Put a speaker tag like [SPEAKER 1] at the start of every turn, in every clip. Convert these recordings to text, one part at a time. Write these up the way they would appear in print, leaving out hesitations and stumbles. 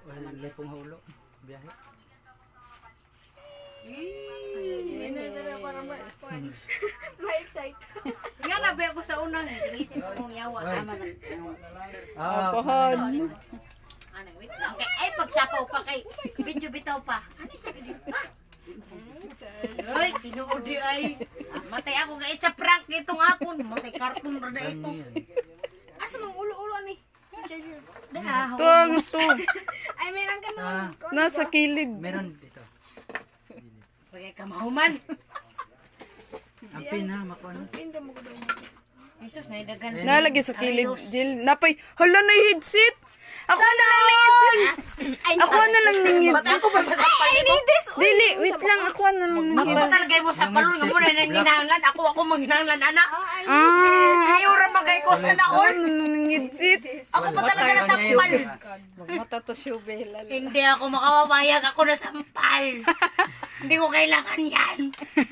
[SPEAKER 1] Wala pong hulo. Biyahe.
[SPEAKER 2] Para ma-excite. Nga nabi ako sa unang isip kong yawa.
[SPEAKER 3] Alcohol.
[SPEAKER 2] Ano, wait lang. Ay, pagsapaw pa kay video bitaw pa. Ano sa video pa? Ay, tinuodi ay. Matay ako ga sa prank itong akon. Matay cartoon ra na ito. Asa mang ulo-ulo ni?
[SPEAKER 3] Ito.
[SPEAKER 2] Ay, meron ka naman.
[SPEAKER 3] Nasa kilid.
[SPEAKER 1] Meron dito.
[SPEAKER 2] Pagay ka mahuman.
[SPEAKER 1] Ang pina, makuha na.
[SPEAKER 2] Jesus, naidagan.
[SPEAKER 3] Nalagay sa kilid. Jill, napay. Hala na yung headset. Ako na lang ng headset. Ako na lang ng headset.
[SPEAKER 2] Ako ba masampal mo?
[SPEAKER 3] Dili, wait lang. Ako na lang ng headset.
[SPEAKER 2] Mapasalagay mo sa palon nga muna nang hinahanglan. Ako manghinahanglan, anak.
[SPEAKER 3] Ah.
[SPEAKER 2] Ayaw ra magay ko sa
[SPEAKER 3] Ako
[SPEAKER 2] naon.
[SPEAKER 3] na lang ng headset.
[SPEAKER 2] Ako pa talaga nasampal.
[SPEAKER 3] Magmata to siya, Bella.
[SPEAKER 2] Hindi ako makawawayag. Ako nasampal. Hindi ko kailangan yan.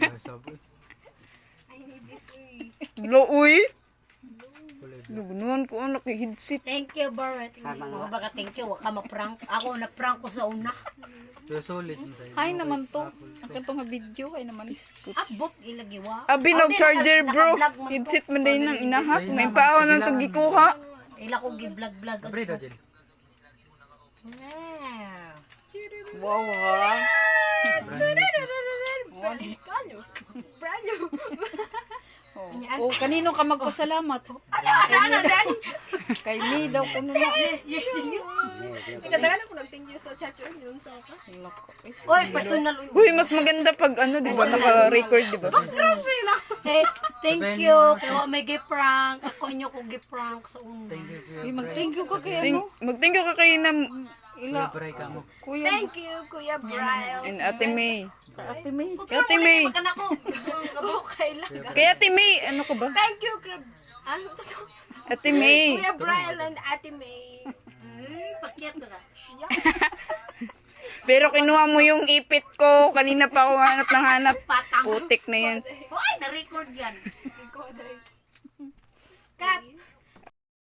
[SPEAKER 3] Uy. Lugunuan ko ang naki-headset.
[SPEAKER 2] Thank you, Barrett. Mga baka thank you. Wag ka ma-prank. Ako na-prank ko sa una.
[SPEAKER 1] So, solid mo tayo.
[SPEAKER 3] Ay naman to. Akin to nga video. Ay naman iskut.
[SPEAKER 2] Abot ilagiwa.
[SPEAKER 3] Abinog charger bro. Headset man din ng inahak. May paon ng to gikuha.
[SPEAKER 2] Ila ko gi-vlog-vlog.
[SPEAKER 1] Abre daw, Jill.
[SPEAKER 3] Wow ha. Oh, kanino ka magpasalamat?
[SPEAKER 2] Ano dan?
[SPEAKER 3] Kay me daw kuno na.
[SPEAKER 2] Yes.
[SPEAKER 4] Nagdadala ko ng thank you sa chat yun sa ka.
[SPEAKER 2] Oy, personal.
[SPEAKER 3] Uy, mas maganda pag ano, di ba? Naka-record, di ba?
[SPEAKER 2] Hey, thank you. Kaya may gi-prank. Ako inyo ko gi-prank sa una.
[SPEAKER 3] Uy, mag-thank you ka kay ano? Mag-thank you ka kay na ila.
[SPEAKER 1] Libre ka mo.
[SPEAKER 3] Kuya.
[SPEAKER 4] Thank you, Kuya Brian.
[SPEAKER 3] And Ate May. Ate May.
[SPEAKER 2] Kaya
[SPEAKER 3] Ate May.
[SPEAKER 2] Magkana ko.
[SPEAKER 4] Okay lang.
[SPEAKER 3] Kay Ate May. Ano ka ba?
[SPEAKER 4] Thank you, ano to?
[SPEAKER 3] Ate May.
[SPEAKER 4] Kuya Brian and Ate May.
[SPEAKER 2] Pakyat ka.
[SPEAKER 3] Pero kinuha mo yung ipit ko. Kanina pa ako hanap ng hanap.
[SPEAKER 2] Patang.
[SPEAKER 3] Putik na yan.
[SPEAKER 2] Hoy, na-record yan.
[SPEAKER 4] Kat,